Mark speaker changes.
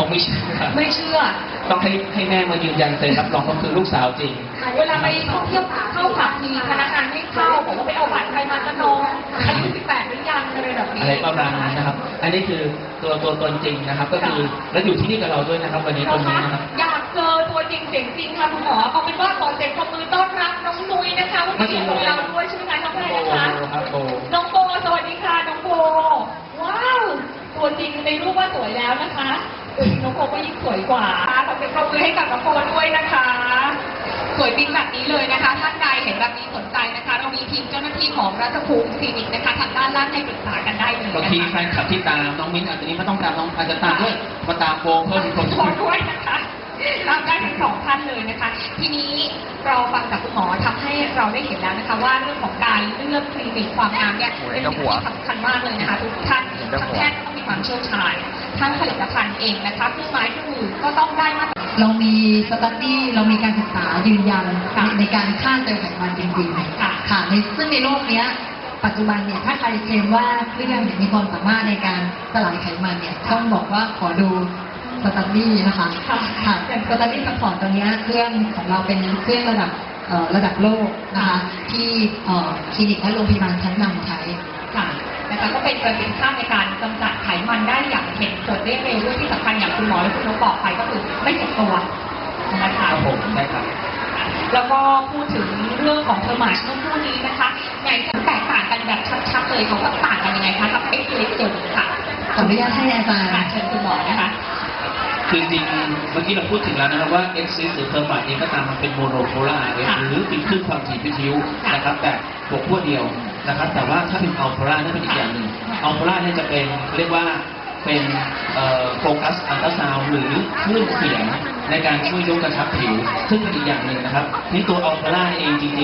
Speaker 1: เขาไม่เชื่อ
Speaker 2: ไม่เชื่อ
Speaker 1: ต้องให้แม่มายืนยันเซ็นรับรองก็คือลูกสาวจริง
Speaker 2: เวลาไปท่องเที่ยวเข้าผับมีพนักงานไม่เข้าบอกว่าไปเอาบัตรใครมาจะน้องอายุ18หรือยังอะไรแบบนี้
Speaker 1: อะไรประมาณนั้นนะครับอันนี้คือตัวตนจริงนะครับก็คือแล้วอยู่ที่นี่กับเราด้วยนะครับวันนี้ตรงนี้นะครับ
Speaker 2: อยากเจอตัวจริงเสียงจริงค่ะคุณหมอเอาเป็นว่าขอเสียงปรบมือต้อนรับน้องนุ้ยนะคะวันนี้ของเราด้วยใช่ไหมคะน้องแพรนะคะน้องโบสวัสดีค่ะน้องโบว้าวตัวจริงในรูปว่าสวยแล้วนะคะน้องโบก็ยิ่งสวยกว่าขอเสียงปรบมือให้กับน้องโบด้วยนะคะสวยปิ๊งแบบนี้เลยนะคะท่านใดเห็นแบบนี้สนใจนะคะเรามีทีมเจ้าหน้าที่ของราชภูมิคลินิกนะคะทางด้านล่างให้ปรึกษากันได้เลย
Speaker 1: บางทีแฟนคลับที่ตามน้องมิ้นอาจจะนี้ไม่ต้องตามน้องอาจจะตามด้วยมาตามโบเพิ่มอีกคน
Speaker 2: ด้วยนะคะตามได้ทั้งสองท่านเลยนะคะทีนี้เราฟังจากคุณหมอทำให้เราได้เห็นแล้วนะคะว่าเรื่องของการเลือกคลินิกความงามเนี่ยเป็นสิ่งที่สำคัญมากเลยนะคะทุกท่านทั้งแพทย์ต้องมีความเชี่ยวชาญทั้งผลิตภัณฑ์เองนะคะเครื่องไม้เครื่องมือก็ต้องได้มาตรฐาน
Speaker 3: เรามีสตั๊ดดี้เรามีการศึกษายืนยันในการฆ่าเซลล์ไขมันจริงๆค่ะซึ่งในโลกนี้ปัจจุบันเนี่ยถ้าใครเคลมว่าเครื่องมีความสามารถในการสลายไขมันเนี่ยต้องบอกว่าขอดูสตั๊ดดี้นะคะค่ะสตั๊ดดี้ซัพพอร์ตตัวนี้เครื่องของเราเป็นเครื่องระดับโลกนะคะที่คลินิกและโรงพยาบาลชั้นนำใช้
Speaker 2: ค่ะนะคะก็เป็นประสิทธิภาพในการกำจัดไขมันได้อย่างเห็นผลได้เร็วด้วยที่สำคัญอย่างคุณหมอและคุณนกบอกไปก็คือไม่เจ็บตัวนะคะ
Speaker 1: ผมใช่ครับ
Speaker 2: แล้วก็พูดถึงเรื่องของเทอร์มาชเมื่อสักครู่นี้นะคะไงจะแตกต่างกันแบบชัดๆเลยเขาก็ต่างกันยังไงคะกับเอ็กซ์เล็กจุดค่ะ
Speaker 3: ขออนุญาตให้อาจารย์
Speaker 2: เชิญคุณหมอนะคะ
Speaker 1: คือจริงเมื่อกี้เราพูดถึงแล้วนะครับว่าเอ็กซิสหรือเทอร์มาเองก็ตามมันเป็นโมโนโพล่าหรือเป็นคลื่นความถี่พิทยุนะครับแต่หัวขั้วเดียวนะครับแต่ว่าถ้าเป็นอัลโพล่านั่นเป็นอีกอย่างหนึ่งอัลโพล่าเนี่ยจะเป็นเรียกว่าเป็นโฟกัสอัลตราซาวด์หรือคลื่นเสียงในการช่วยยกกระชับผิวซึ่งเป็นอีกอย่างหนึ่งนะครับนี่ตัวอัลโพล่าเองจริง